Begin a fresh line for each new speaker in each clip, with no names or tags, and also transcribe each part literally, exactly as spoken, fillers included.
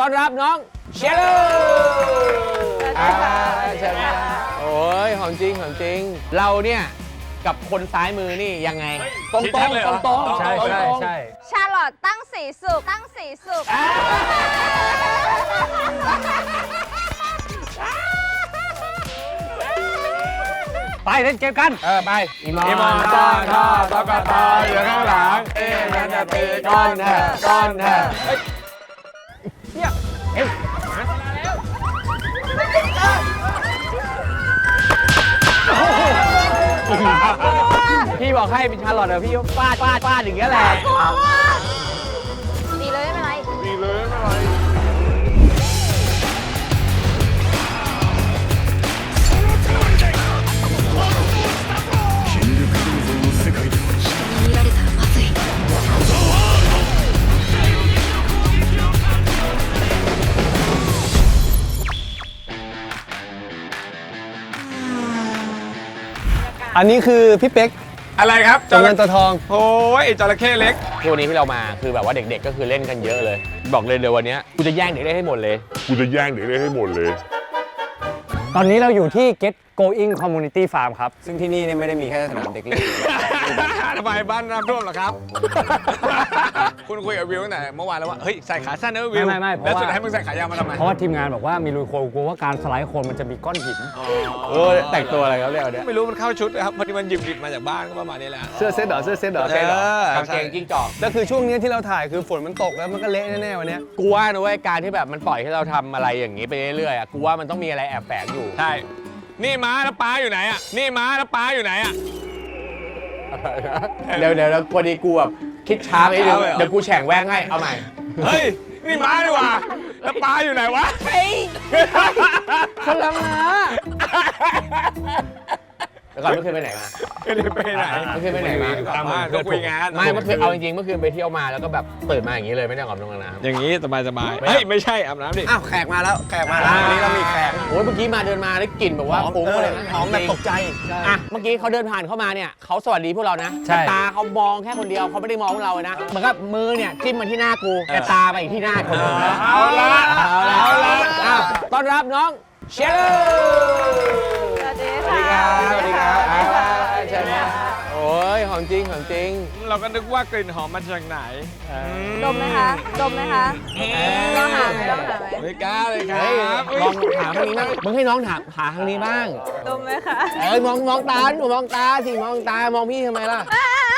ต้อนรับน้องเชลล์เชลล์โอ้ยหอมจริงหอมจริงเราเนี่ยกับคนซ้ายมือนี่ยังไงตรงตรงตรงตรง
ใช่ใช่ใช่
ชาลอตตั้งสีสุกตั้งสีสุก
ไปเล่นเกมกัน
เออไป
อีมอน
อีมอนตอนท่อตอกตออยู่ข้างหลังเอ๊ะนั่นจะตีก้อนแท้ก้อนแท้เนี่ยเอ็มพี่บอกให้เป็นชาลอตเดี๋ยวพี่ฟาดฟาดฟาดอย่างเงี้ยแหละ
ดีเลยไม่เป็นไร
ดีเลยไม่เป็นไร
อันนี้คือพี่เป๊ก
อะไรครับ
จงเงินตัวทอง
โอ้ยจระเข้เล็ก
ตัวนี้ที่เรามาคือแบบว่าเด็กๆก็คือเล่นกันเยอะเลยบอกเลยเดี๋ยววันนี้กูจะแย่งเด็กได้ให้หมดเลย
กูจะแย่งเด็กได้ให้หมดเลย
ตอนนี้เราอยู่ที่ Get Going Community Farm ครับซึ่งที่นี่ไม่ได้มีแค่สนามเด็กเล่น
ทำไมบ้านน้ำท่วมเหรอครับ คุณคุยกับวิวตั้งแต่เมื่อวานแล้วว่าเฮ้ยใส่ขาสั้นนะวิว
ไม่ไม่
แล้วสุดท้ายมึงใส่ขายาวมาทำไม
เพราะว่าทีมงานบอกว่ามีลุยโคลนกลัวว่าการสไลด์โคลนมันจะมีก้อนหิน
เออแต่งตัวอะไรครับเรียกเนี่ย
ไม่รู้มันเข้าชุดนะครับพอดีมันหยิบหยิบมาจากบ้านก็ประมาณนี้แหละ
เสื้อเซ็ตเหรอเสื้อเซ็ตเหรอ
เสื้อ
กางเกงจิ้งจอก
แล้วคือช่วงนี้ที่เราถ่ายคือฝนมันตกแล้วมันก็เละแน่ๆวันนี้
กูว่านะเว้ยการที่แบบมันปล่อยให้เราทำอะไรอย่างนี้ไปเรื่อยๆอ่ะกูว่ามันต้องมีอะไรแอบแฝงอยู่
ใช่นี่ม้าแล้วป้าอยู่ไหนอ่ะนี่ม้าแล้วป้าอยู่ไหนอ่ะ
เดี๋ยวเดี๋ยวแล้วพอดีกูแบบคิดช้าไปนิดนึงเดี๋ยวกูแฉ่งแว่งให้เอาใหม่
เฮ้ยนี่ม้าดีกว่าแล้วป้าอยู่ไหนวะ
เฮ้ยคนละม้าแล้วก่อนเมื่อคืนไปไหนมา
ไม่ได้ไปไหน
เมื่อคืนไปไหนมา
ตามบ้านก็คุยงาน
ไม่เมื่อคืนเอาจริงๆเมื่อคืนไปเที่ยวมาแล้วก็แบบตื่นมาอย่างนี้เลยไม่ได้ออกกำลังน้ำ
อย่างนี้สบายสบายเฮ้ยไม่ใช่อาบน้ำดิ
อ้าวแขกมาแล้วแขกมาแล้ววันนี้เรามีแขก
โอ้ยเมื่อกี้มาเดินมาได้กลิ่นแบบว่าฟุ้งเลยนะ
หอมแบบตกใจ
อ่ะเมื่อกี้เขาเดินผ่านเข้ามาเนี่ยเขาสวัสดีพวกเรานะแต่ตาเขามองแค่คนเดียวเขาไม่ได้มองพวกเราเลยนะเหมือนกับมือเนี่ยจิ้มมาที่หน้ากูแต่ตาไปอีกที่หน้าคนอื่น
เอาละ
เอาละเอาละต้อนรับน้องเชลล์
สวัสดีค่ะ
สวัสดีครับเชลล์โอ้ยหอมจริงหอมจริง
เราก็นึกว่ากลิ่นหอมมาจากไหน
ดมไหมคะดมไหมคะลองหาไหมลองหาไหม
ไม่กล้าเลยครับ
ลองถามทางนี้บ้างมึงให้น้องถามหาทางนี้บ้าง
ดมไหมคะ
เอ้ยมองมองตาหนูมองตาสิมองตามองพี่ทำไมล่ะ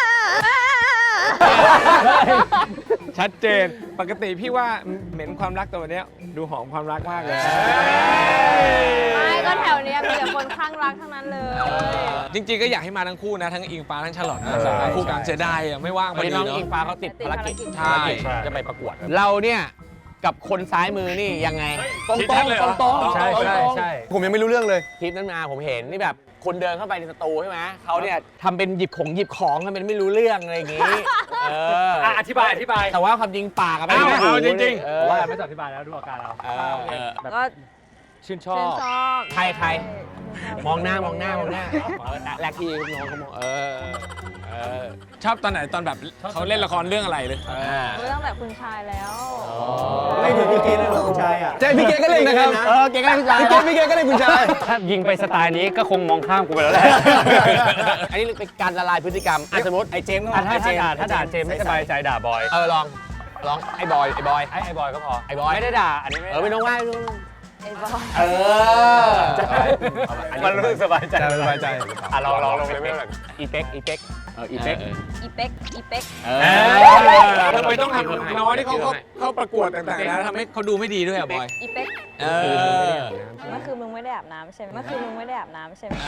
ชัดเจนปกติพี่ว่าเหม็นความรักตัวเนี้ยดูหอมความรักมากเลย
ไม่ก็แถวนี้มีแต่คนข้างรักทั้งนั้นเลย
จริงๆก็อยากให้มาทั้งคู่นะทั้งอิงฟ้าทั้งฉลอดนะคู่กันเสียดายอ่ะไม่ว่างพอดี
น้องอิงฟ้าเขาติดภารกิจใช่จะไปประกวดเราเนี่ยกับคนซ้ายมือนี่ยังไงตรงตรงตรงตรง
ใช่ใช่ใช่ผมยังไม่รู้เรื่องเลย
คลิปนั้นมาผมเห็นนี่แบบคนเดินเข้าไปในสตูใช่ไหมเขาเนี่ยทำเป็นหยิบของหยิบของทำเป็นไม่รู้เรื่องอะไรอย่างงี้เออ
อธิบายอธิบาย
แต่ว่าความจริงปากอะไม่
เอาจริง
ๆเพราะว่าไม่ต้องอธิบายแล้วดูอาการเรา
ก็
ชื่นชอบ
ใครใครมองหน้ามองหน้ามองหน้าแรกที่น้องเขามองเออเออ
ชอบตอนไหนตอนแบบเขาเล่นละครเรื่องอะไรเลย
รู้ตั้งแต่คุณชายแล้ว
ไม่ถึงพี่เกดเลยคุณชายอ่ะใช่พี่เกดก็เล่นนะครับ
เออเกดก็เล่นคุณชาย
พี่เกดพี่เกดก็เล่นคุณชายถ้ายิงไปสไตล์นี้ก็คงมองข้ามกูไปแล้วแหละ
อันนี้เป็นการละลายพฤติกรรมสมมติ
ไอ้เจมส์ถ้าด่าถ้าด่าเจมส์ไม่สบายใจด่าบอย
เออลองลองไอ้บอยไอ้บอย
ไอ้ไอ้บอยก็พอ
ไอ้บอย
ไม่ได้ด่าอันนี้
เออไม่ต้องว่า
ไอ้บอย
เออ
มันรู้สึกสบายใจ
สบายใจ
อ่ะลองลองลงเลยไม่แบบอีเป๊กอีเป๊ก
เอออีเป๊ก
อีเป๊กอีเป๊ก
เออทำไมต้องทำน้อยที่เขาเขาประกวดต่างๆนะทำให้เขาดูไม่ดีด้วยอ่ะบอย
อีเป๊ก
เออ
เมื่อคืนมึงไม่ได้อาบน้ำใช่ไหมเมื่อคืนมึงไม่ได้อาบน้ำใช่ไหม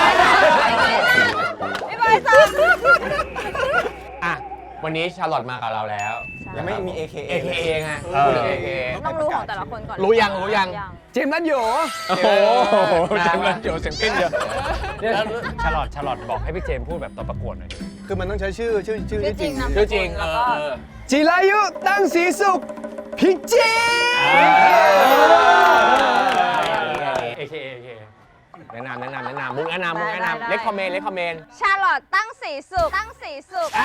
ไม่บอยซ้
ำอ่ะวันนี้ชาร์ลอตมากับเราแล้ว
ยังไม่มี เอ เค เอ
เอ เค เอ ไง
ต้องรู้ของแต่ละคนก่อน
รู้ยังรู้ยัง
เจมส์นัทโย
โอ้โหเจมส์นัทโยเสียงปิ้นเยอะ
ชาร์ลอตชาร์ลอตบอกให้พี่เจมส์พูดแบบตอนประกวดหน่อยคือมันต้องใช้ชื่อชื่อชื่อ
จริง
ชื่อจริง
แล้วก็
จิรายุตั้งศรีสุขพิจิตร เอ เค เอ
แนะนำแนะนำแนะนำมุกแนะนำมุกแนะนำเล็กคอมเมนต์เล็กคอมเมนต์
ชาลอตตั้งสีสุกตั้งสีสุก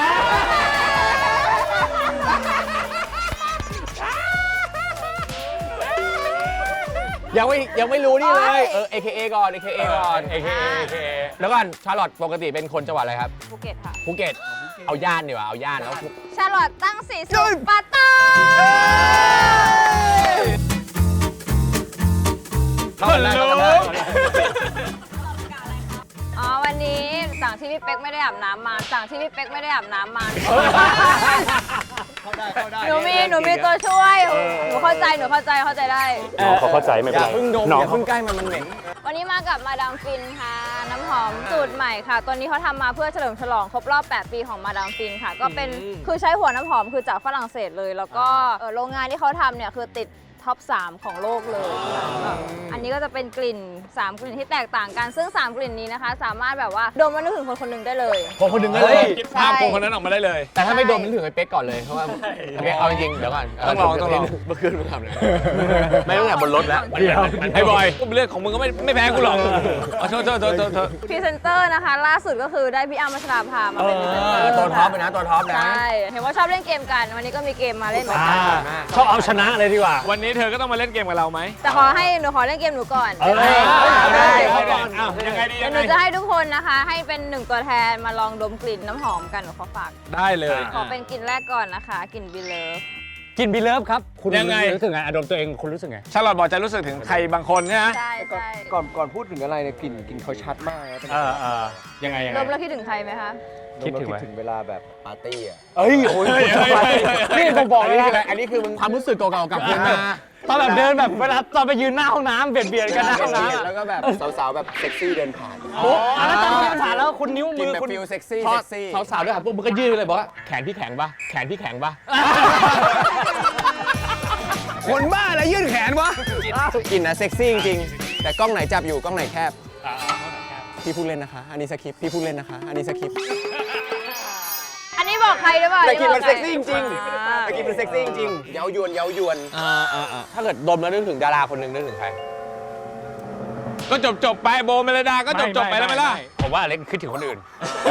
ยังไม่ยังไม่รู้นี่เลยเออ เอ เค เอ ก่อน เอ เค เอ ก่อน
เอ เค เอ เอ เค
แล้วก่อนชาร์ลอตปกติเป็นคนจังหวัดอะไรครับ
ภูเก็ตค่ะ
ภูเก็ตเอาย่านดีกว่าเอาย่านแล้ว
ชาลอตตั้งสีสุขปาตา
เข้ากันได้เข้ากันได้
อ๋อวันนี้สั่งที่พี่เป๊กไม่ได้อาบน้ำมาสั่งที่พี่เป๊กไม่ได้อาบน้ำมา
เข้าได้เข้าได้
หนูมีหนูมีตัวช่วยหนูเข้าใจหนูเข้าใจเข้าใจได้
น้องเขาเข้าใจไม่
อ
เป็น
ย่า
ไร
เพิ่งดม
น้อง
อย่าเพิ่งใกล้มันมันเหม็น
วันนี้มากับมาดามฟินค่ะ น้ำหอมสูตรใหม่ค่ะ ตัวนี้เขาทำมาเพื่อเฉลิมฉลองครบรอบ แปด ปีของมาดามฟินค่ะ ก็เป็นคือใช้หัวน้ำหอมคือจากฝรั่งเศสเลย แล้วก็เอ่อโรงงานที่เขาทำเนี่ยคือติดท็อป สาม ของโลกเลยค่ะก็อันนี้ก็จะเป็นกลิ่น สาม กลิ่นที่แตกต่างกัน ซึ่ง สาม กลิ่นนี้นะคะ สามารถแบบว่าดมแล้วนึกถึงคนคนหนึ่งได้เลย
คนคนหนึ่งก็เลย
คิดภาพคนคนนั้นออกมาได้เลย
แต่ถ้าไม่ดมนึกถึงไอ้เป๊กก่อนเลยเพราะว่าโอเคเอาจริงๆเดี๋ยวก่อน
ต้องลองต้องลอง
เมื่อคืนมึงทำเลยไม่ต้องแต่บนรถแล้ว
เดี๋ยว
ไอ้บอยเรื่องของมึงก็ไม่ไม่แพ้กูหรอกอ๋อโทษโทษโทษโทษโทษ
พรีเซนเตอร์นะคะ ล่าสุดก็คือได้พี่อ้ำพัชราภามา
เอ
เป็นพรีเซนเตอ
อ
ร์
ตัวท็อปเลยนะตัวท็อปนะ
ใช่เห็นว่าชอบเล่นเกมกัน วันนี้ก็มีเกมมาเล่นเหมือน
อ่า
กัน
ชอบเอาชนะเลยดีกว่า
วันนี้เธอก็ต้องมาเล่นเกมกับเราไหม
แต่ขอให้หนูขอเล่นเกมหนูก่อน
เออ
ได้
เอาก่อนอ้าวยังไงดี
เดี๋
ยั
ยว
ง
หนู
ไง
จะให้ทุกคนนะคะ ให้เป็นหนึ่งตัวแทนมาลองดมกลิ่นน้ำหอมกันหนูขอฝาก
ได้เลย
ขอเป็นกลิ่นแรกก่อนนะคะกลิ่นบิลเลฟ
กินบีเลิฟครับ คุณ
ยังไง
รู้สึกไงอดมตัวเองคุณรู้สึกไง
ชาลอตบอกจะรู้สึกถึงใครบางคนใช่ไหม
ใช่ใช่
ก่อนก่อนพูดถึงอะไรเนี่ยกลิ่นกลิ่นเขาชัดมากนะ
เออเออยังไงยัง
ด
ไง
มแล้วคิดถึงใครไหมคะ
คิดถึง
คิ
ไหม
ดถึงเวลาแบบปาร์ตี้อ่ะ
เอ้ยโอ้ย
นี่ผมบอกเลยนะอันนี้คือมันความรู้สึกเก่าๆกลับคืนมา
ตอนแบบเดินแบบเวลาตอนไปยืนหน้าห้องน้ำเบียดเบียดกันหน้าห้องน้ำอะ
แล้วก็แบบสาวๆแบบเซ็กซี่เดินผ่าน
ปุ๊บอ่ะแล้วตอนที่ผ่านแล้วคุณนิ้ว
ก
มื
ลิ่น
อ
แบบ
คุณ
ฟิลเซ็กซี่
พอ
เซ็กซี่
สาวๆด้วยครับปุ๊บมันก็ยื่นไปเลยบอกว่าแขนพี่แข็งปะแขนพี่แข็งปะ
คนบ้าอะไรยื่นแขนวะกลิ่นนะเซ็กซี่จริงๆแต่กล้องไหนจับอยู่กล้องไหนแคบพี่พูดเล่นนะคะ อันนี้สคริปต์พี่พูดเล่นนะคะ อันนี้สคริปต์
อันนี้บอกใครหรือเปล่า
แต่กลิ่นมัน
บอ
เซ็กซี่จริง
อ่า
ๆแต่กลิ่นมันเซ็กซี่จริงๆเย้ายวนเย้ายวน
อ่าอ่าอ่าถ้าเกิดดมแล้วนึกถึงดาราคนหนึ่งนึกถึงใคร
ก็จบจบไปโบเมลดาก็จบจบไปแล้วไหมล่ะ
ผมว่าอเล็กคิดถึงคนอื่น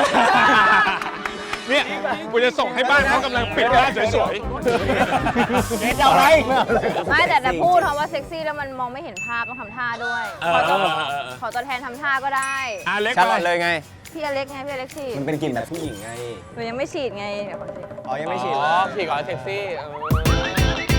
เนี่ยกูจะส่งให้บ้านเขากำลังปิดบ้านสวย
เอาไร
ไม่แต่แต่พูดคำว่าเซ็กซี่แล้วมันมองไม่เห็นภาพต้องทำท่าด้วย ขอตัวขอตัวแทนทำท่าก็ได้
ๆอาเล็ก
ชัด
ก่อน
เลยไง
พี่อเล็กไงพี่อเล็กฉีด
มันเป็นกลิ่นแบบผู้หญิงไง
หนูยังไม่ฉีดไงเดี๋ยวขอฉีด
อ๋อ ยังไม่ฉีด
อ๋
เหร
อ
อ
ฉีดก่อนเซ็กซี่เออ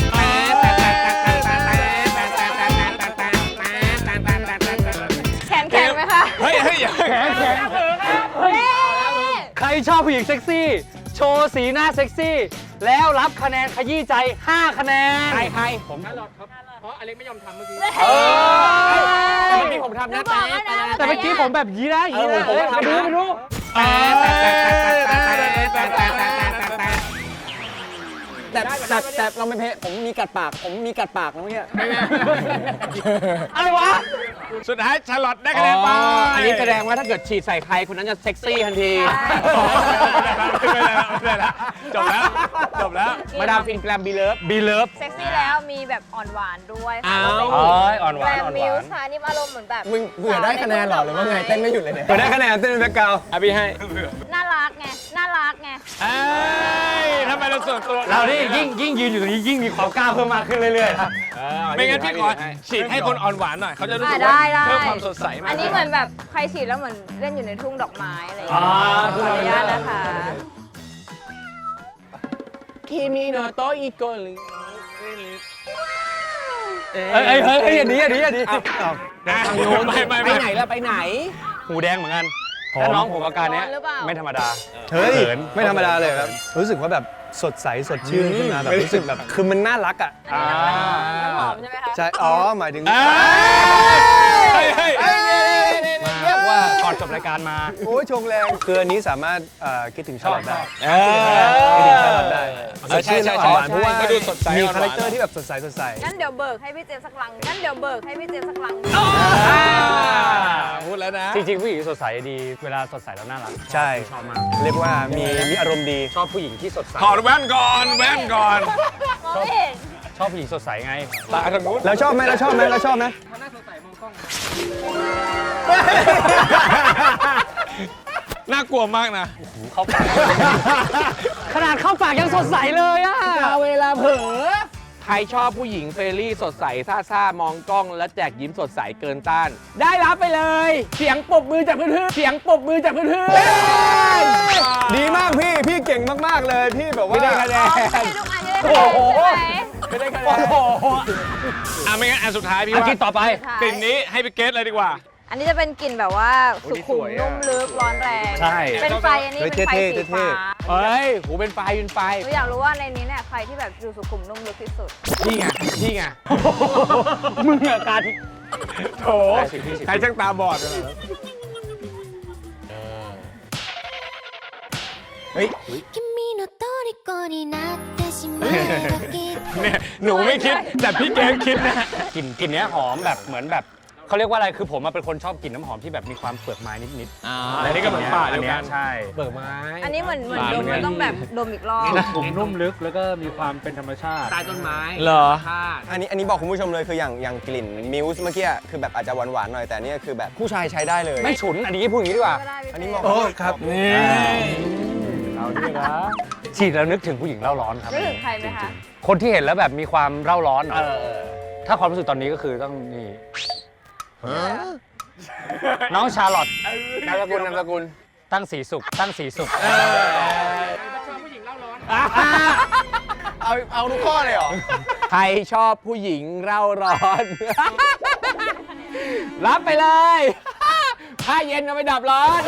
แขนแข็งไหมคะ
เฮ้ยเฮ้ยอย่า
เฮ้ย
ใครชอบผู้หญิงเซ็กซี่ โชว์สีหน้าเซ็กซี่ แล้วรับคะแนนขยี้ใจ ห้า คะแนน
ใครใคร
ผม
เอ
เอ
อ
อ
แต่เมื่อกี้ผมทำนะ
หบอกแล้วนะ
แต่เมื่อกี้ผมแบบยี้นะยี้นะ
เออผมก็ทำนะ
ไปดูไปดู
แต่แต่แต่เราไม่เพะผมมีกัดปาก ผมมีกัดปากนะเมื่อกี้
อะไรวะ
สุดท้ายชาลอตได้คะแนนไป
อันนี้แสดงว่าถ้าเกิดฉีดใส่ใครคนนั้นจะเซ็กซี่ทันที
ไม่ได้แล้วไม่ได้แล้วจบแล้วจบแล้ว
มาดามฟินแกรมบีเลิฟ
บีเลิฟ
เซ็กซี่แล้วมีแบบอ่อนหวานด้วย
อ้าว
เอ้ยอ่อนห
แก
วาร น
ม
อ่อนห
มิ
วาว น
ส์ค่ะนี่อารมณ์เหมือนแบบ
มึงเผื่อได้คะแนนเหรอหรือว่าไงเต้นไม่หยุดเลยเนี่ย
เปิดได้คะแนนเต้นเป็นแบ็คกราวด์
อ่ะพี่ให้
น่ารักไง น่ารักไง
เอ้ยทำไมเราส่วนตัว
เรานี่ยิ่งยิ่งยืนอยู่ตรงนี้ยิ่งมีความกล้าเพิ่มมากขึ้นเรื่อยๆครับ
ไม่งั้นพี่ขอฉีดให้คนอ่อนหวานหน่อยเขาจะรู้สึก
อ่ะ
ว่า
ได้ได้
เพิ่มความสดใสมาก
อันนี้เหมือนแบบใครฉีดแล้วเหมือนเล่นอยู่ในทุ่งดอกไม้อะไรอย่าง
อ่า
เงี้ยขออนุญาตนะคะ
คิมิโนโตอิโกริ
เอ้ยเอ้ยเฮ้ยเฮ้ยอันนี้อันนี้อันนี้
นะไม่ไม่
ไป
ไม่
ไหนแล้วไปไหน
หูแดงเหมือนกันถ้าน้องผมอาการเนี้ย
ร้อนหรือเปล่า
ไม่ธรรมดา
เฮ้ย
ขิน
ไม่ธรรมดาเลยครับ รู้สึกว่าแบบสดใสสดชื่นขึ้นมาแบบรู้สึกแบบคือมันน่ารักอ่ะ
อ่า
น้ำหอมใช่ไหมคะ
ใช่ อ๋อ หมายถึง
เฮ้ยเฮ้ยเฮ้ย
เรียกว่าก่อนจบรายการมา
โอ้ยชงแรงคืออันนี้สามารถเอ่อคิดถึงชาลอตได้
เอ
คิดถึงชาลอตได้
เออใช่ใช่
สด
ใช่
ชื่นและอ่อนหวานเพราะว่า
ก็ดูสดใส
มี
อ่อนหวาน
คาแรคเตอร์ที่แบบสดใสสดใส
งั้นเดี๋ยวเบิกให้พี่เจมส์สักลังงั้นเดี๋ยวเบิกให้พี่เจมส์สักลัง
พูดแล้วนะ
จริงๆผู้หญิงสดใสดี เวลาสดใสแล้วน่ารัก
ใช่
ชอบมาก
เรียกว่ามีมีอารมณ์ดี
ชอบผู้หญิงที่สดใส
ถอดแว่นก่อนแว่นก่อน
มองไม่เห็น
ชอบผู้หญิงสดใสไง
ตาทางนู้น
แล้วชอบไหมแล้วชอบไหมแล้วชอบไหม
น่ากลัวมากนะ
เข้าปาก ขนาดเข้าปากยังสดใสเลยอะ
เวลาเผลอใครชอบผู้หญิงเฟรนลี่สดใสซ่าซ่ามองกล้องและแจกยิ้มสดใสเกินต้าน ได้รับไปเลย เสียงปรบมือจากเพื่อนๆเสียงปรบมือจากเพื่อนๆ
ดีมากพี่ พี่เก่งมาก ๆ เลย พี่แบบว่า
ไม่ได้คะแนน
ไม่ได้ทุกอันจะได้คะแนนใช่ไหม
ไม่ได้คะแนน
อ่ะไม่งั้นอันสุดท้ายพี่
อา
ว่า
กินต่อไป
กลิ่นนี้ให้ไปเกสเลยดีกว่า
อันนี้จะเป็นกลิ่นแบบว่าสุขุมนุ่มลึกร้อนแรง
ใช่
เป็นไฟอันนี้เป็นไฟสีฟ้า
เฮ้ยหูเป็นไฟเป็นไฟ
หนูอยากรู้ว่าในนี้เนี่ยใครที่แบบดูสุขุมนุ่มลึกที่สุด
นี่ไงนี่ไง
มึงอะการ
โถใครช่างตาบอดเลย
君の虜になってしまうだけ
เนี่ยหนูไม่คิด แต่พี่เกมคิดนะ
กลิ่นกลิ่นเนี้ยหอมแบบเหมือนแบบเขาเรียกว่าอะไรคือผมมาเป็นคนชอบกลิ่นน้ำหอมที่แบบมีความเปลือกไม้นิดๆ
อ่า
อันนี้ก็เหมือนป่าเดียวกัน
อัใช่
เบิกไม้
อันนี้เหมือนเหมือนดมแล้วต้องแบบดมอีกรอบ
กลุ่มนุ่มลึกแล้วก็มีความเป็นธรรมชาติ
ใต้ต้นไม้
เหรอ
ธาตุ
อันนี้อันนี้บอกคุณผู้ชมเลยคืออย่างอย่างกลิ่นมิวส์เมื่อกี้คือแบบอาจจะหวานๆหน่อยแต่เนี่ยคือแบบผู้ชายใช้ได้เลย
ไม่ฉุนอันนี้พูดอย่างนี้ดีกว่า
อันนี้เหมาะ
โอ้ครับ
นี่เราด้วยนะฉีดแล้วนึกถึงผู้หญิงเล่าร้อนครับ
นึกถึงใครไหมคะ
คนที่เห็นแล้วแบบมีความเร่าร้อนหน่อยถ้าความรู้สึกตอนนี้ก็คือต้องนี่น้องชาลอต
นามสกุลนามสกุล
ตั้งสีสุขตั้งสีสุข
เอาเอาทุกข้อเลยเหรอ
ใครชอบผู้หญิงเร่าร้อน รับไปเลย ผ้าเย็นเอาไปดับร้อน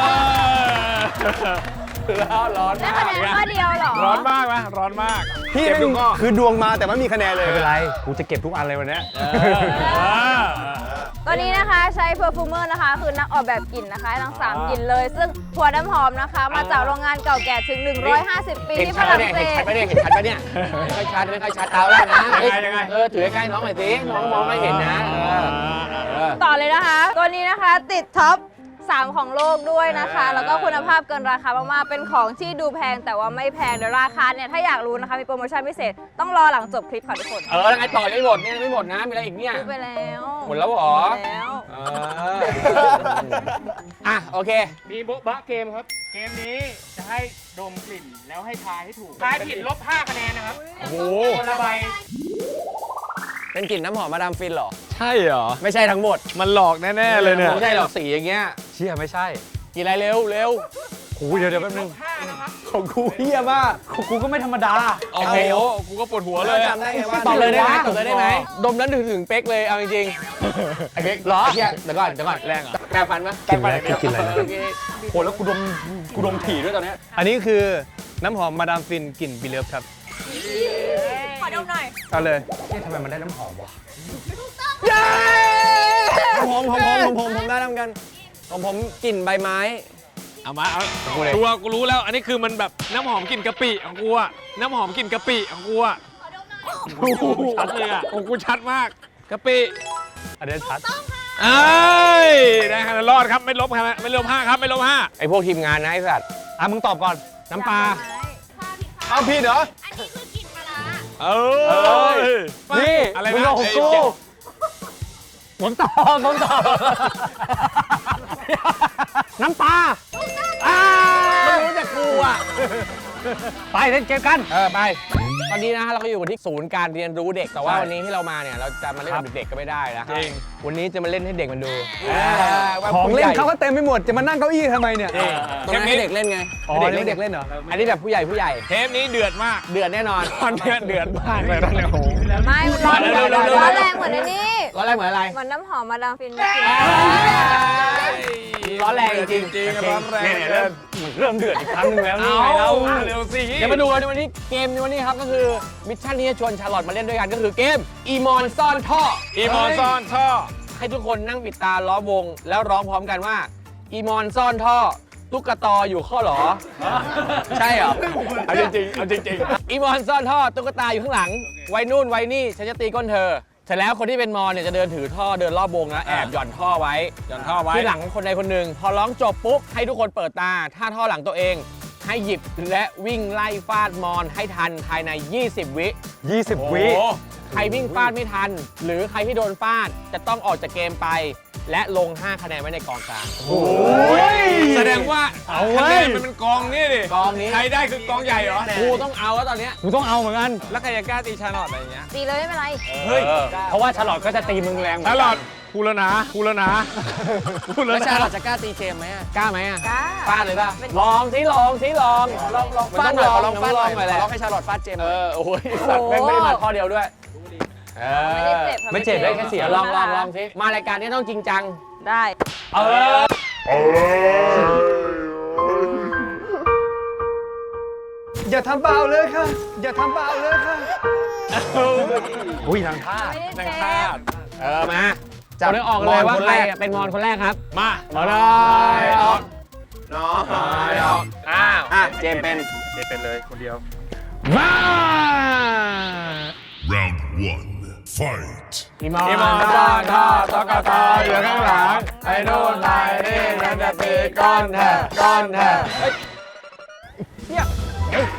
เร่าร้อน
ได้
มา
คะ
ก
แนนข้อเดียวเหรอ
ร้อนมากไหมร้อนมาก
พี่
เก็บ
แม่
ทุ
ง
กข้อ
คือดวงมาแต่ไม่มีคะแนนเลย
ไม่เป็นไรกูจะเก็บทุกอันเลยวันนี้
ตัวนี้นะคะใช้เพอร์ฟูเมอร์นะคะ คือนักออกแบบกลิ่นนะคะทั้งสามกลิ่นเลย ซึ่งหัวน้ำหอมนะคะ มาจากโรงงานเก่าแก่ถึง หนึ่งร้อยห้าสิบ ปี
เห็น
ที่ฝ
ชัด
รั่ง
เนี่ย
เศ
เห็นชัด
ส
ปะเนี่ยเห็นชัดปะเนี่ยไม่ค่อยชัดไม่ค่อยชัดเอาแล้วนะ
ยังไงยังไง
เออถือใกล้ๆน้องหน่อยสิน้องมองไม่เห็นนะเออเออ
ต่อเลยนะคะ ตัวนี้นะคะติดท็อปสามของโลกด้วยนะคะ แล้วก็คุณภาพเกินราคามากๆ เป็นของที่ดูแพงแต่ว่าไม่แพงเดี๋ยวราคาเนี่ยถ้าอยากรู้นะคะมีโปรโมชั่นพิเศษต้องรอหลังจบคลิปค่ะทุกคน
เออแล้วไงต่อยังไม่หมดเนี่ยยังไม่หมดนะมีอะไรอีกเนี่ย
ซื้อไปแล้ว
หมดแล้วเหรอ
หมดแล้ว
เอออ่ะโอเค
มีโบ๊ะบะเกมครับ เกมนี้จะให้ดมกลิ่นแล้วให้ทายให้ถูกทายผิดลบห้าคะแนนนะครับ
โอ้โห
คนละใบ
เป็นกลิ่นน้ำหอมมาดามฟินเหรอ
ใช่เหรอ
ไม่ใช่ทั้งหมด
มันหลอกแน่ ๆ เลยเนี่ย
ไม่ใช่หรอกสีอย่างเงี้ย
เชี่ยไม่ใช่
กินอะไรเร็วเร็ว
โอ้ยเดี๋ยวเดี๋ยวแป๊บนึง
ของกูเฮียมาก
ของกูก็ไม่ธรรมดา
โอ้โห กูก็ปวดหัวเลยอะ
จำได้ไงว่า
ตอบเลยได้ไหมตอบเลยได้ไหมดมนั้นถึงถึงเป๊กเลยเอาจริงๆไอ้เป๊กเหรอเฮียเดี๋ยวก่อนเดี๋ยวก่อนแรงเหรอแปรงฟันปะ
กินอะไรกินอะไรนะ
โอเค
โหแล้วกูดมกูดมถี่ด้วยตอนเนี้ย
อันนี้คือน้ำหอมมาดามฟินกลิ่นบิเลฟครับ
ขอดมหน่อย
เอาเลย
เอ๊ะทำไมมันได้น้ำหอมวะ
ผมผมผมผมผมผมได้ทำกันผมผมกลิ่นใบไม้
เอามาเอาตัวกูรู้แล้ว อันนี้คือมันแบบน้ำหอมกลิ่นกะปิของกูอะน้ำหอมกลิ่นกะปิของกูอะชัดเลยอะของกูชัดมากกะปิ
อันนี้ชัด
เอ้ยได้คะแนนรอดครับไม่ลบคะแนนไม่ลบห้าครับไม่ลบห้า
ไอ้พวกทีมงานนะไอ้สัตว์
อ่ะมึงตอบก่อน
น้ำปลา
เอาผิดเหรอ
เอ้ย
นี่
อะไร
มึง
นะ
เอาของกูผมตอบผมตอบ น้ำปลา
ไม่รู้จักกูอ่ะ
ไปเล่นเกมกัน
เออไป ตอนนี้นะฮะเราก็อยู่กันที่ศูนย์การเรียนรู้เด็ก แต่ว่าวันนี้ที่เรามาเนี่ยเราจะมาเล่นกับเด็กๆก็ไม่ได้นะ
จริง
วันนี้จะมาเล่นให้เด็กมันดูว่า
ของ
ผู้
เล่
ให
น
ญ่
เขาก็เต็มไปหมด จะมานั่งเก้าอี้ทำไมเนี่ย
ตรงนั้นให้เด็กเล่นไง
อ๋อ
ให้
เด็ก
เด็
เด็
ก
ก
เล่
เล่
น
นเหรอ
อันนี้แบบผู้ใหญ่ผู้ใหญ่
เทปนี้เดือดมาก
เดือดแน่นอน
ตอนนี้เดือดมากเลยตอนนี้โอ้โห
ไม่ร้อน
เร็วๆเร็วๆ
ร้อนแรงเหมือนในนี้
ร้อนแรงเหมือนอะไร
เหมือนน้ำหอมมาดามฟิน
ร้อนแรงจริง
จริงร้อนแรง
เนี่ยเนี่ยเริ่มเริ่มเดือดอีกครั้งหนึงแล้วนี่
เอา
ไงเรา
เร็วสิ
เดี๋ยวมาดูกันในวันนี้เกมในวันนี้ครับก็คือมิชชั่นนี้จะชวนชาร์ลอตมาเล่นด้วยกันก็คือเกมอีมอนซ่อนท่อ
อีมอนซ่อนท่อ
ให้ทุกคนนั่งปิดตาล้อมวง แล้วร้องพร้อมกันว่าอีมอนซ่อนท่อตุ๊กตาอยู่ข้อหรอ ใช่เหรอ
เอาจริงๆเอาจริง
อีมอนซ่อนท่อตุ๊กตาอยู่ข้างหลังไว้นู่นไว้นี่ฉันจะตีก้นเธอเสร็จแล้วคนที่เป็นมอนเนี่ยจะเดินถือท่อเดินรอบวงนะแอบหย่อนท่อไว้
ๆหย่อนท่อไว้
ที่หลังคนใดคนหนึ่งพอร้องจบปุ๊บให้ทุกคนเปิดตาถ้าท่อหลังตัวเอง ให้ให้หยิบและวิ่งไล่ฟาดมอนให้ทันภายใน ยี่สิบ วิ
ยี่สิบ วิ
ใครวิ่งฟาดไม่ทัน หรือใครที่โดนฟาดจะต้องออกจากเกมไป และลง ห้า คะแนนไว้ในกองกลาง
แสดงว่า
เอาเว้
คะแน
ย
นมันเป็นกองนี่ดิ
กองนี้
ใครได้คือกองใหญ่เหรอ
กูต้องเอาแล้วตอนเนี้ย
กูต้องเอาเหมือนกัน
แล้วใครจะกล้าตีชาร์ลอตอะไรอย่างเงี้ย
ตีเลยไม่เป็นไร
เฮ้ย
เพราะว่าฉลอดก็จะตีมึงแรงเหมือน
ชา
กัน
ร์ลอตกูแล้วนะกูแล้วนะกูแล้ว
แล้ว
นะ
ชาลอตจะกล้าตีเจมส์ไหมอะ
กล้าไหมอ่ะ
กล้า
ฟาดเลยป่ะ ลองสิลองสิลอง
ลองลอง
มัน
ฟา
ต้
ด
อง
หน่อย
ลอง
ขอลองฟาดหน่อย
ลองหน่อยแหละ
ขอลองให้ชาลอตฟาดเจมส์ห
เอ
น่อย
อ โอ้ยสัตว์แม่งไม่ได้มาข้อเดียวด้วยเออ
ไม่ได้เจ็บค่ะ
ไม่เจ็บได้แค่เสีย
ลองลองลองสิมารายการนี้ต้องจริงจัง
ได้
เออ
อย่าทำเบาเลยค่ะ อย่าทำเบาเลยค่ะ
อุ้ยทางท่า
ไม่ได้เจ็บ
เออ มา
จับ
เอาเรื่องออกเลยว่า
คน
ใคร
แรก
อะเป็นมอนคนแรกครับ
มา
เอาเลยออก
น้อย
ออกอ้าว
อ่ะเจมส์เป็น
มา
Round one. Fight.
อีมอนอีมอนตอนทอดตอกตออยู่ข้างหลังไอ้นู่นไอ้นี่ฉันจะตีก้อนแทะก้อนแทะเฮ้ยเนี่ยเฮ้ย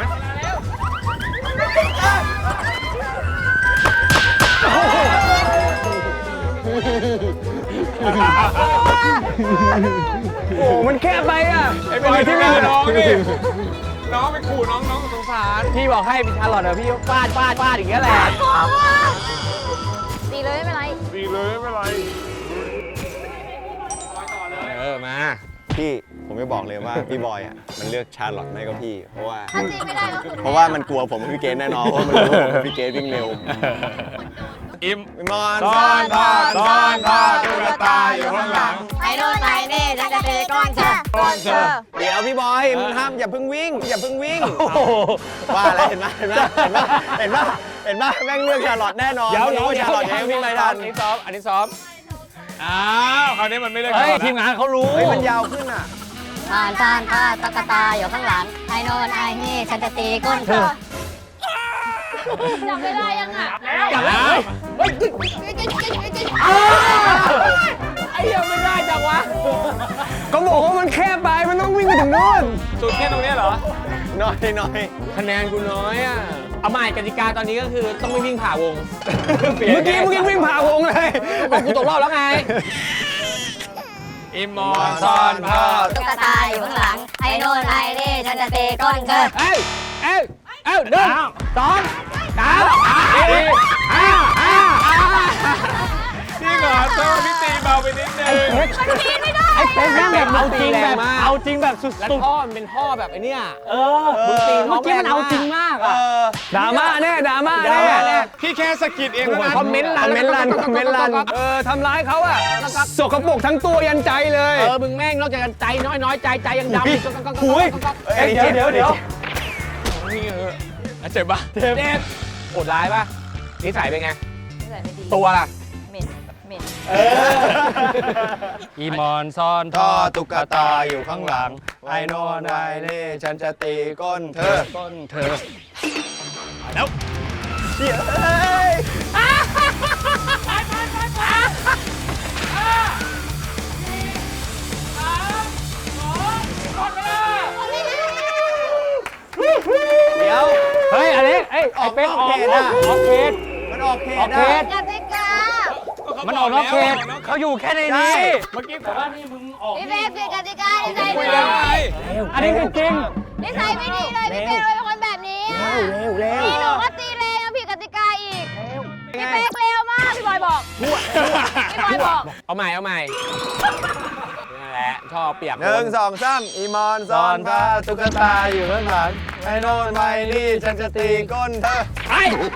โอ้มันแคบไปอ่ะ
ไอ้บอยที่มีน้องนี่น้องไปขู่น้องน้องสงสาร
พี่บอกให้พี่ชาลอตเดี๋ยวพี่ฟาดฟาดฟาดอย่างเงี้ยแหละ
ตีเลยไม่เป็นไร
ดีเลยไม่เป็นไร
เออ มา
พี่ผมจะบอกเลยว่าพี่บอยอ่ะมันเลือกชาลอตไม่ก็พี่ เพราะว่า
ถ้าตีไม่ได้ก็คือ
เพราะว่ามันกลัวผมกับพี่เกณแน่นอนเพราะมันรู้ว่าผมกับพี่เกณวิ่งเร็ว
อิม
พี่มอน
ซ่อนทอดซ่อนทอดตุ๊กตาอยู่ข้างหลัง
ไอ้โน่นไอ้นี่ฉันจะตีก้อนเธอก้อนเธอ
เดี๋ยวพี่บอยมันห้ามอย่าเพิ่งวิ่ง อย่าเพิ่งวิ่งว่าอะไรเห็นไหมเห็นไหมเห็นไหมเห็นไหมเห็นไหมแม่งเลือกชาลอตแน่นอน
เดี๋ยว
เพ
เดี๋ยว
ราะว่าชาลอตยังวิ่งไม่ทัน
อันนี้ซ้อม อันนี้ซ้อม
อ้าวคราวนี้มันไม่เลือก
เฮ้ย
แล้ว
ทีมงานเขารู้
เฮ้ยมันยาวขึ้นอ่ะ
ผ่านผ่านผ่านตะกะตาอยู่ข้างหลัง ไอ้โนนไอ้นี่ฉันจะตีก้นเธอ
จับไม่ได้ยังอ่ะ
จับแล้ว เฮ้ยไอ้ยังไม่ได้จังวะ
ก็บอกว่ามันแคบไป มันต้องวิ่งไปถึงนู่น
สุดแค่ตรงเนี้ยเหรอ
น้อยน้อย
คะแนนกูน้อยอ่ะ เอาใหม่กติกาตอนนี้ก็คือต้องไม่วิ่งผ่าวง
เมื่อกี้เมื่อกี้วิ่งผ่าวงเลย
บอกกูตกรอบแล้วไง
อิมมอนซ่อนทอด
ตุ๊กตาอยู่ข้างหลัง ไอ้โนนไอ้นี่ฉันจะตีก้นเธอ
เอ้ยเอ้ยเอ้ยหนึ่งสองสามสี่ห้าห้าห้า
พี่เหรอโซ่พี่ตีเบาไปนิดนึง
มันตีไม่ได้
ไอ้เป็ดแม่งแบบเอาจริงแบบ
เอาจริงแบบสุ
แล้ว
ด
ท่อมันเป็นท่อแบบไอ้เนี่ย
ๆ เออ
มึงตี
เมื่อกี้มันเอาจริงมาก
เอ
อ่ะ
อ
ดราม่าแน่ดราม่า
แน่
แน่
แน่
พี่แค่สะกิดเองเท่านั้น
คอมเมนต์
คอมเมนต์ลันคอมเมนต์ลันเออทำร้ายเขาอะสกปรกทั้งตัวยันใจเลย
เออ มึงแม่งนอกจากกันใจน้อยน้อยใจใจยังดำอีกก็ก็ก็
หุย
เอ้ย
เดี๋ยวเดี๋ยวเดี๋ยว
นี่เอออ่ะเจ็บปะ
เจ็บโหดร้ายป่ะนิสัยเป็นไง
นิสัยไม่ดี
ตัวล่ะ
เหม็นเหม็น
อีมอนซ่อน
ท่อตุ๊กตาอยู่ข้างหลัง ไอ้โนนไอ้นี่ฉันจะตีก้นเธอ
ก้นเธอ
เดี๋ยวเอ้ยเดี๋ยว
เฮ้ยอันนี้เอ้ยไอ้เป็นออก
ออกเขตอะ
ออกเขต
มันออกเขต
ออกเข
อะ
ต
กติกา
มันออกนอกเขตเขาอยู่แค่ในนี้
เมื่อกี้แต่ว่านี่มึงออก
พี่เป๊กคือกติกานิสัย
คุ
ไม่
ย
ดี
แล้วไง
อันนี้คือจริง
นิสัยไม่ดีเลยพี่เป๊กเลยเป็นคนแบบนี้อะนี่หนูก็ตีแรงยังผิดกติกาอีกพี่เป๊กเร็วมากพี่บอยบอกพี่บอยบอก
เอาใหม่เอาใหม่นั่นแหละชอบเปรียบ
หนึ่งสองสามอีมอนซ่อนผ้าตุ๊กตาอยู่ข้างหลัง ไอ้โนนไอ้นี่ฉันจะตีก้นเธอ
ไป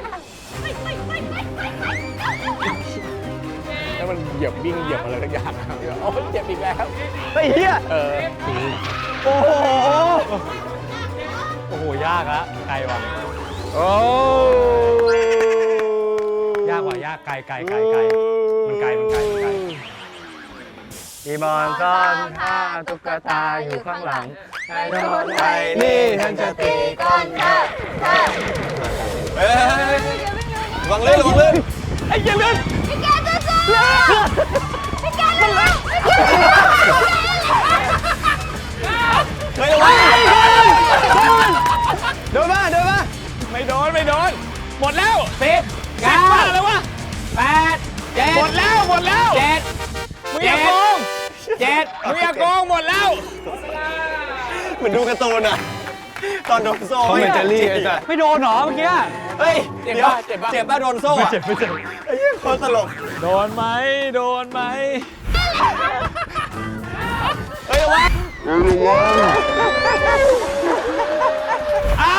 แล้วมันเหยียบวิ่งเหยียบอะไรทุกอย่างโอ้ยเจ็บอีกแล้ว
ไอ้เหี้ย
เออ
โอ้โห
โอ้โห ยากละไกลว่ะ
โอ้
ยากว่ะยากไกลไกลไกลไกลมันไกลมันไกลมันไกล
อีมอนซ่อนผ้าตุ๊กตาอยู่ข้างหลัง ไอ้โนนไอ้นี่ฉันจะตีก้นเธอเฮ้ยระวังลื่นระวังลื่น
ไอ้เหี้ยเลื่อน
พี่แกจะสู้พี่แกจะสู้
เฮ้ยระวัง
ไม่โดน หมดแล้ว
สิบ
เก้า
เก้า
แล้ววะ
แปดเจ็ด
หมดแล้วหมดแล้ว
เจ็ด
มึงอย่าโกง
เจ็ด
มึงอย่าโกงหมดแล้ว
เหมือนดูการ์ตูนอะตอนโดนโซ่
เขาเหมือนเจลลี่ไอ้สัส
ไม่โดนเหรอเมื่อกี้
เฮ้ย
เจ็บ
เดี๋ยว
ป่ะเจ็บป่ะ
เจ็บป่ะโดนโซ่อะ
เจ็บไม่เจ็บ
ไอ้เหี้ยโคตรตลก
โดนไหมโดนไหม
เฮ้ยระวัง
อ้าว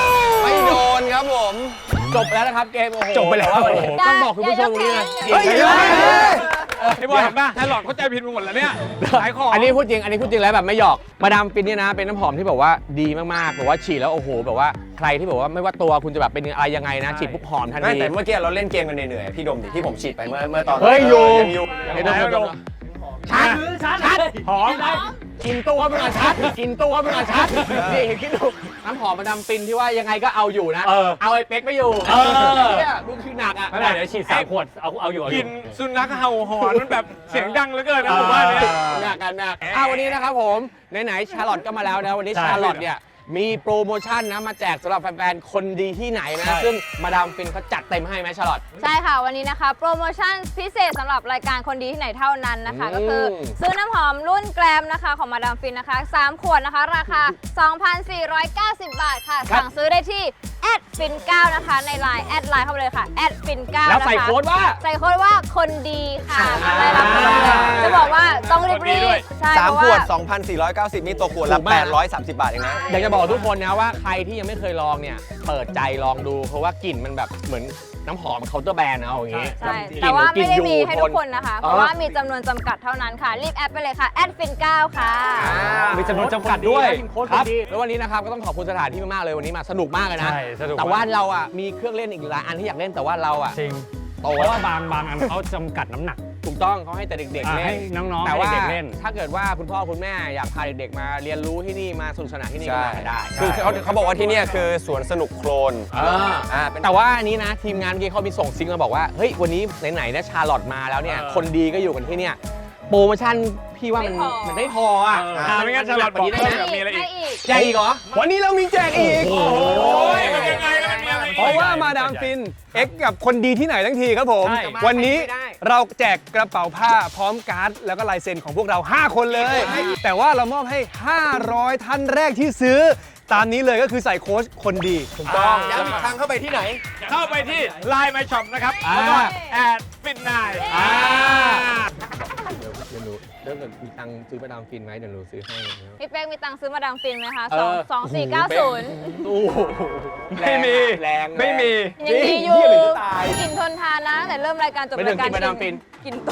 ไม่โดนครับผม
จบแล้วนะครับเกมโอ้โห
จบไปแล้ว
ต่าวันนี้ต้องบอกคุณผู้ชมตรงนี้นะ
เฮ้ย
จริงๆ
ไอ้บอยเห็นป่ะไทยหลอดเข้าใจผิดไปหมดแล้วเนี่ยขายของ
อันนี้พูดจริง อันนี้พูดจริงแล้วแบบไม่หยอก มาดามฟินเนี่ยนะ เป็นน้ำหอมที่แบบว่าดีมากๆแบบว่าฉีดแล้วโอ้โหแบบว่าใครที่แบบว่าไม่ว่าตัวคุณจะแบบเป็นอะไรยังไงนะ ฉีดปุ๊บหอมทัน
ไม่
ที
แต่เมื่อกี้เราเล่นเกมกันเหนื่อยๆพี่ดมดิที่ผมฉีดไปเมื่อเมื่อตอน
เฮ้ยอยู่
งอยู่
ไม่ต้องไม่ต้องชัดชัด
หอม
กินตัวมึงอะชัด กินตัวมึงอะชัด นี่คิดดูน้ำหอมมาดามฟินที่ว่ายังไงก็เอาอยู่นะ
เออ
เอาไอ้เป๊กไม่อยู่
เออ
เนี่ยดูคือหนักอ่ะ
ไม่เป็นไรเดี๋ยวฉีดสามขวด เอาเอาอยู่เอาอก
ลิ
ยู่
นสุนัขเห่าหอนมันแบบเสียงดังเหลือเกินนะผมว่าเนี่ย
หนักกันหนักอ่ะวันนี้นะครับผมไหนๆชาร์ลอตก็มาแล้วนะวันนี้
ใช่
ชาร์ลอตเนี่ยมีโปรโมชั่นนะมาแจกสำหรับแฟนๆคนดีที่ไหนนะ
ใช่
ซึ่งมาดามฟินเขาจัดเต็มให้ไหมชาร์ลอต
ใช่ค่ะ วันนี้นะคะ โปรโมชั่นพิเศษสำหรับรายการคนดีที่ไหนเท่านั้นนะคะ
อืม
ก็คือซื้อน้ำหอมรุ่นแกรมนะคะของมาดามฟินนะคะสามขวดนะคะ ราคา สองพันสี่ร้อยเก้าสิบ บาทค่ะ สั่งซื้อได้ที่แอดฟินเก้านะคะในไลน์แอดไลน์เข้าไปเลยค่ะแอดฟินเก้า
แล้ว
นะคะ
ใส่โค้ดว่า
ใส่โค้ดว่าคนดีค่ะ
อ่า
ได้รับส่วนลดจะบอกว่าต้องรีบ
คนดีด้วย
ๆใช่
สาม
เพราะ
ขว
ว่า
ด สองพันสี่ร้อยเก้าสิบ นี่ตัวขวด
ถู
ละ
กมาก
แปดร้อยสามสิบบาทเองนะ
อยากจะบอกทุกคนนะว่าใครที่ยังไม่เคยลองเนี่ยเปิดใจลองดูเพราะว่ากลิ่นมันแบบเหมือนน้ำหอมเคาน์เตอร์แบรนด์เอาอย่างงี้
ใช่
กลิ่น
แต่ว่าไม่ได้
กลิ่น
มี
อยู่
ให้ทุกคนนะคะ เพ
อ๋อ
ราะว่ามีจำนวนจำกัดเท่านั้นค่ะ รีบแอดไปเลยค่ะแอดฟินเก้าค่ะ
อ่า
มีจำนวนจำกัดด้วย
โค้ด
ครับ
ดีแล้ววันนี้นะครับก็ต้องขอบคุณสถานที่มากๆเลยวันนี้มาสนุกมากเลยนะ
ใช่สนุกมาก
แต่ว่าเราอ่ะมีเครื่องเล่นอีกหลายอันที่อยากเล่นแต่ว่าเราอ่ะ
จริง
โต
เพราะ
แล้ว
ว่าบางบางอันเขาจำกัดน้ำหนัก
ถูกต้องเขาให้แต่เด็กๆ
อ่า
เล่
ให้
น
น้องๆ
แต่ว่า
ให้เด็กๆเล่น
ถ้าเกิดว่าคุณพ่อคุณแม่อยากพาเด็กๆมาเรียนรู้ที่นี่มาสนุกสนานที่นี่ก็
ใช่
มาได้
คือเขาเขาบอกว่าที่เนี่ยคือสวนสนุกโคลน
อ่า
อ่าเป็น
แต่ว่าอันนี้นะทีมงานเมื่อกี้เขามีส่งซิงมาบอกว่าเฮ้ยวันนี้ไหนๆนะชาร์ลอตมาแล้วเนี่ยคนดีก็อยู่กันที่เนี่ยโปรโมชั่นพี่ว่ามัน
ไม่พอ
มันไม่พออ่ะ
อ่าไม่งั้นชาร์ลอตบอก
ได้
เพิ่ม
ไหม
แบบมีอะไรอีก
ให้อีก
แจกอีกเหรอ
วันนี้เรามีแจกอีก
โอ้ยมันยังไงแล้วมันมีอะไรอีก
เพราะว่ามาดามฟิน เอ็กกับคนดีที่ไหนทั้งทีครับผม
ใช่
วันนี้
ไม่ได้
เราแจกกระเป๋าผ้าพร้อมการ์ดแล้วก็ลายเซ็นของพวกเรา ห้า คนเลย แต่ว่าเรามอบให้ ห้าร้อย ท่านแรกที่ซื้อ ตามนี้เลยก็คือใส่โค้ชคนดีถูกต้อง
ย้ำอีกครั้งเข้าไปที่ไหน
เข้าไปที่ ไลน์ My Shop นะครับ
อ่า
แล้วก็แอดฟินนาย
อ่าเดี๋ยวเดี๋ยวหนูเดี๋ยวมีตังค์ซื้อมาดามฟินไหมเดี๋ยวหนูซื้อให้
พี่เป๊กมีตังค์ซื้อมาดามฟินไหมคะ
เอ
สอง
อ
สองสี่เก้าศูนย์
โอ้โห
ไม่มี
แรง
ไม่มี
ยังดีอยู่
เหี้ยเหมือนจะตาย
กลิ่นทนทานนะแต่เริ่มรายการจบ
ไม่ถึ
ราง ยการ
กินมาดามฟิน
กินตัว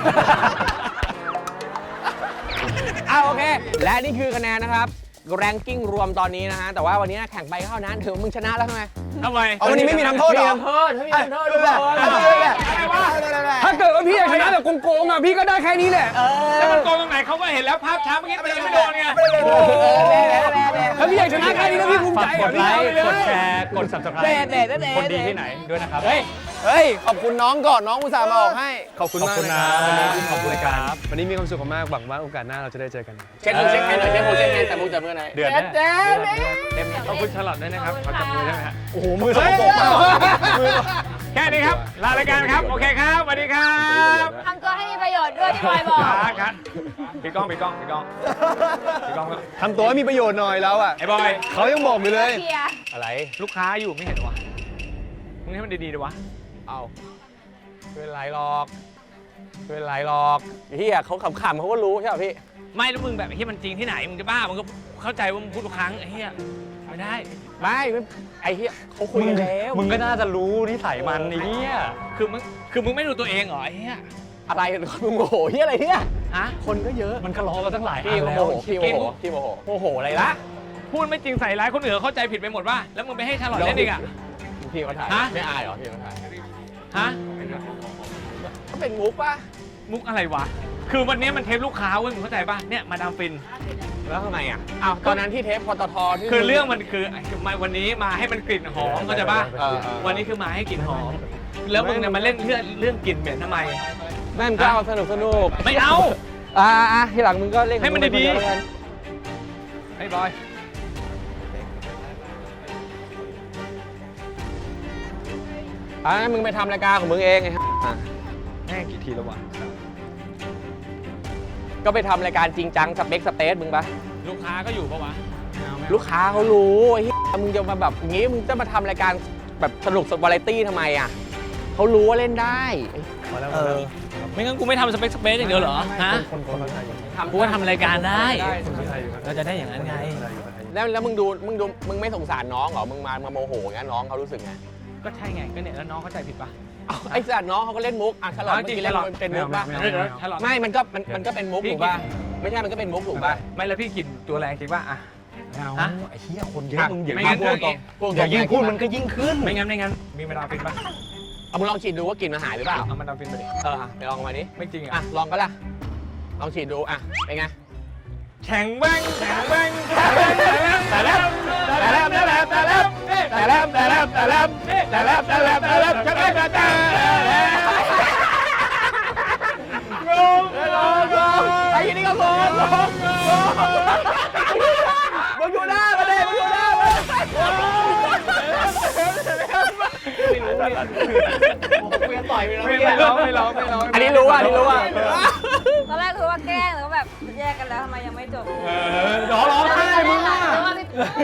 เอาโอเค และนี่คือคะแนนนะครับ แรงกิ้งรวมตอนนี้นะฮะ แต่ว่าวันนี้แข่งไปเท่านั้นถือว่ามึงชนะแล้วทำไม
ทำไม
เอาวันนี้ไม่มีทำโทษเหรอ
มีทำโทษไม่มีทำโทษทุกคน
ถ้าเกิดว่าพี่อยากชนะแบบโกงๆอ่ะพี่ก็ได้แค่นี้แหละ
แล้วมันโกงตรงไหนเขาก็เห็นแล้วภาพช้าเมื่อกี้มันยังไม่โดนไง
ถ้าพี่อยากชนะแค่นี้แล้วพี่ภูมิ
ฝา
ใจ
กก
อ่ะ
ด
พี่
ไล
เอา
ค์
ไปเลย
กดแชร์ กด subscribe คนดีที่ไหนด้วยนะครับ
เฮ้ย
เฮ้ย ขอบคุณน้องก่อนน้องอุตส่าห์มาออกให้
ขอบคุณ
ขอบ
มาก
คุณ
นะ
นะครับ
วันนี้ขอบคุณ
ครับ
วันนี้มีความสุขมากหวังว่าโอกาสหน้าเราจะได้เจอกัน
เช็คมือเช็คแฮนด์หน่อยเช็คมือเช็คแฮนด์แต่มือจับมือหน่อย
เดือด
เจ๊
แน่
เจ๊
ขอบคุณชาร์ลอตด้วยนะครับ ขอจับมือได้ไหมฮะ
โอ้โหมือสกปรกมากมือ
แค่นี้ครับ ลารายการครับ โอเคครับสวัสดีครับ
ทำตัวให้มีประโยชน์ด้วยพี่บอยบอก
ครับครับพี่ก้องพี่ก้องพี่ก้องพี่ก้อง
ทำตัวให้มีประโยชน์หน่อยแล้วอ่ะ
ไอ้บอย
เขายังบอกอยู่เลย
เคลียร์
อะไร
ลูกค้าอยู่ไม่เห็นวะมึงให้มันดีๆดีวะ
เอาไม่เป็นไรหรอกไม่เป็นไรหรอกเฮียเขาขำๆเขาก็รู้ใช่ป่ะพี่
ไม่แล้วมึงแบบไอ้เฮียมันจริงที่ไหน มึงจะบ้า มึงก็เข้าใจว่ามึงพูดทุกครั้งไอ้เฮียไม่ได้
ไม่ไม่ไอ้เฮียเขาคุยกันแล้ว
มึงก็น่าจะรู้นิสัยมันไอ้เนี่ย
คือมึง คือมึงไม่ดูตัวเองเหรอไอ้เฮีย
อะไรมึงโมโหเฮียอะไรเนี่ย
ฮะ
คนก็เยอะ
มันก็รอมาตั้งหลายอั
พี่
น
โม
แล้
โห
ว
พี่โมโหพี่โมโหโมโหอะไรละ
พูดไม่จริงใส่ร้ายคนอื่นเขาเข้าใจผิดไปหมดว่า แล้วมึงไปให้ชาร์ลอตเล่นอีกอ่ะ
พี่เขาถ่าย
ฮะ
ไม่อายเหรอพี่เขาถ่าย
ฮะ
เขาเป็นมุกป่ะ
มุกอะไรวะ คือวันนี้มันเทปลูกค้าเว้ยมึงเข้าใจป่ะ เนี่ยมาดามฟิน
แล้วทำไมอ่ะอ้าวตอนนั้นที่เทปปตทที่
คือเรื่องมันคือมาวันนี้มาให้มันกลิ่นหอมเข้าใจป่ะ
เออเออ
วันนี้คือมาให้กลิ่นหอม แล้วมึงเนี่ยมาเล่นเรื่องเรื่องกลิ่นเหม็นทำไม
แม่งก็เอาสนุกสนุก
ไม่เอา
อ่าอ่ะทีหลังมึงก็เล่น
ให้มันดีๆ
ๆแล้วกัน
ไอ้บอย
อ่ะงั้นมึงไปทำรายการของมึงเองไงฮะอ่ะ
แม่งกี่ทีแล้ววะ
ก็ไปทำรายการจริงจังสเปคสเปซมึงปะ
ลูกค้าก็อยู่ปะวะ
ลูกค้าเขารู้ไอ้เหี้ยมึงจะมาแบบอย่างงี้มึงจะมาทำรายการแบบสนุกสดวาไรตี้ทำไมอ่ะเขารู้ว่าเล่นได้
เออ
ไม่งั้นกูไม่ทำสเปคสเปซอย่างเดียวเหรอ ฮะ
คนคนไทยอยู่
กูก็ทำรายการได้
คนไทยอยู่
เราจะได้อย่างนั้นไง
แล้วแล้วมึงดูมึงดูมึงไม่สงสารน้องเหรอมึงมามาโมโหงั้นน้องเขารู้สึกไง
ก็ใช่ไง ก็เนี่ยแล้วน้องเข้าใจผิดปะ
เอ้าไอ้สัตว์น้องเขาก็เล่นมุกอ่ะฉลอด
เอา
เมื่อ
จริง
กี้เล่น
ฉลอด
เป็นมุกป่ะ
ไม่เอาไม่เอา
ถ้าเรา
ไม่มันก็มันมันก็เป็นมุก
พี่
ถูกป่ะไม่ใช่มันก็เป็นมุกถูกป่ะ
ไม่แล้วพี่กินตัวแรงจริงป่ะอ่ะ
เอา
ฮะ
ไอ้เหี้ยคนเยอะมึงอย่า
ไม่
พู
งั้
ด
น
ตรง
พวก
อย่ายิ่งพูดมันก็ยิ่งขึ้น
ไม่งั้นไม่งั้น มีเวลาฟินป่ะ
เอามึงลองฉีดดูว่ากลิ่นมันหายหรือเปล่า
เอามันเอาฟินไปดิ
เออไปลองมาดิ
ไม่จริง
อ่ะ
อ่ะ
ลองก็ล่ะลองฉีดดูอ่ะเป็นไง
แข็งแบงแข็งแบงแต่แล้วแต่แล้วแต่แล้วแต่แล้วแต่แล้วแต่แล้วแต่แล้วแต่แล้วแต่แล้วแต่แล้วแต่แล้วแต่แล้วแต่งงงงง
ไอ้ยี่นี่ก็งงงงมึงอยู่หน้ามาเลยมึงอยู่หน้ามาไม่ร้องไม่ร้องไม่ร้องอันนี้รู้อ่ะอันนี้รู้อ่ะ
ตอนแรกคือว่าแกล้งแล้วก็แบบแยกกันแล้วทำไมยังไม่จบ
ร้องร้องไห้มึงอ่ะ
หรือว่าพี่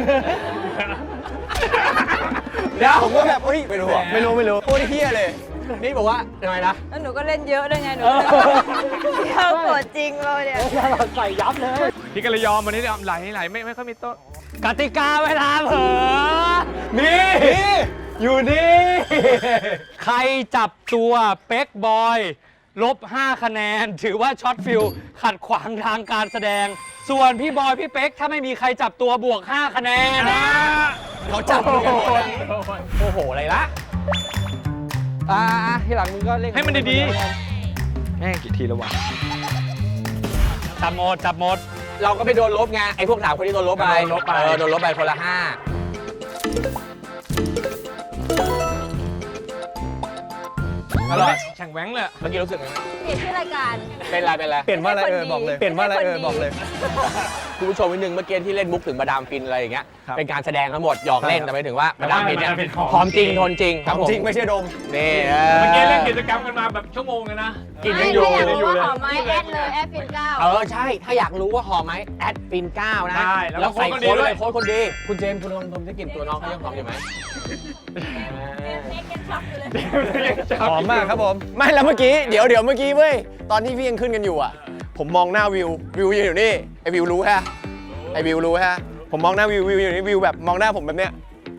เดี๋ยว
ผมก็แบบเฮ้ยไม่รู้อะไม่รู้ไม่รู้โคตรเฮี้ยเลย
นี่บอกว่าทำไมนะ
แล้วหนูก็เล่นเยอะด้วยไงหนูเที่ยวโกรธจริงเลยเนี่ย
ใส่ยับเลย
พี่ก็เลยยอมวันนี้ไหลไหลไม่ไม่ค่อยมีโต๊ะ
กติกาเวลาเผลอนี่อยู่นี่ ใครจับตัวเป๊กบอย ลบ ห้า คะแนน ถือว่าช็อตฟิลขัดขวางทางการแสดง ส่วนพี่บอย พี่เป๊ก ถ้าไม่มีใครจับตัวบวก ห้า คะแนนนะ
เขาจับมึงกันหมดอะโอ้โหอะไรละอ่าที่หลังมึงก็เล่น
ให้มันดีๆ แม่งกี่ทีแล้ววะ
จับหมด จับหมด
เราก็ไปโดนลบไงไอ้พวกสามคนที่โดนลบไป
โดนลบไป
เออโดนลบไปคนละห้า
อร่อยแข่งแหวงเลย
เมื่อกี้รู้สึกไง
เปลี่ยนชื่อรายการ
เป็นไรเป็นไร
เปลี่ยนว่าอะไรเออบอกเลยเปลี่ยนว่าอะไรเออบอกเลย
คุณผู้ชมนิดนึงเมื่อกี้ที่เล่นมุกถึงมาดามฟินอะไรอย่างเงี้ย
ครับ
เป็นการแสดงทั้งหมดหยอกเล่น
ครับ
แต่ไม่ถึงว่ามาดามฟินเนี่ย
มาดามฟินของ
หอมจริงทนจริงครับผม
จริงไม่ใช่ดม
นี่เอ
เมื่อกี้เล่น
อ
กิจกรรมกันมาแบบชั่วโมงเลยนะ
กินยังอยู่
ไม่
ยังอยู่
รู้
เลย
ว่าหอมไหมแอดเลยแอดฟินเก้า
เออใช่ ถ้าอยากรู้ว่าหอมไหมแอดฟินเก้านะ
ใช่แล้ว
แล้วใส่
โค้
โค้
ด
ด
คนดี
เล
ด้วย
ยโค้ดคนดี คุณเจมส์คุณลองดมได้กลิ่นตัวน้องเขายังหอมอยู่ไหม
หอมมากครับผม
ไม่แล้วเมื่อกี้เดี๋ยวเดี๋ยวเมื่อกี้เว้ยตอนที่พี่ยังขึ้นกันอยู่อ่ะ ผมมองหน้าวิววิวยืนอยู่นี่ไอวิวรู้ฮะไอวิวรู้ฮะผมมองหน้าวิววิวอยู่นี่วิวแบบมองหน้าผมแบบเนี้ย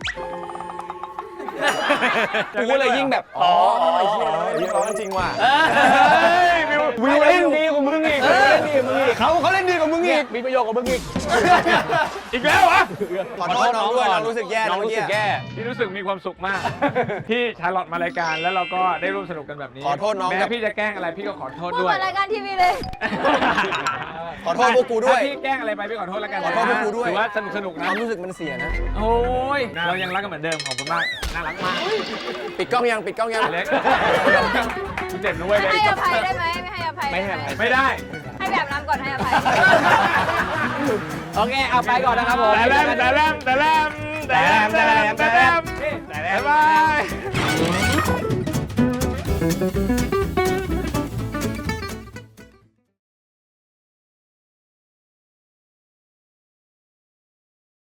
กูก็เลยยิ่งแบบอ๋อไอ้เหี้ยวิวร้อนจริงว่ะ
วิวเล่นดีกว่ามึงอีกเขาเขาเล่นดีกว่ามึงอีก
มีประโยชน์กับมึงอีก
อีกแล้ววะ
ขอโทษน้องด้วยน้องรู้สึกแย่
น้องรู้สึกแย่
พี่รู้สึกมีความสุขมาก ที่ชาร์ลอตมารายการแล้วเราก็ได้ร่วมสนุกกันแบบนี้
ขอโทษน้อง
แม้
กับ
พี่จะแกล้งอะไรพี่ก็ขอโทษ
พูด
ด้วย
มารายการทีวีเลย
ขอโทษพวกกูด้วย
ถ้าพี่แกล้งอะไรไปพี่ขอโทษแล้วกัน
ขอโทษพวกกูด้วย
ถือว่าสนุกสนุก
ค
นะ
วามรู้สึกมันเสียนะ
โอ้ยเรายังรักกันเหมือนเดิมขอบคุณมากน่ารักมาก
ปิดกล้องยังปิดกล้องยัง
เล็กกูเจ็บนะเว้ย
ไม่
เล็ก
ให้อภัยได้ไหมไม่ให้อภัย
ไม่ให้อภัย
ไม่ได้
ให้แบบน้ำก่อนให้อภัย
โอเค เอาไปก่อนนะครับผม
แต่แลมแต่แลมแต่แลมแต่แลมแต่แลมแต่แลมแต่แลมบ๊ายบาย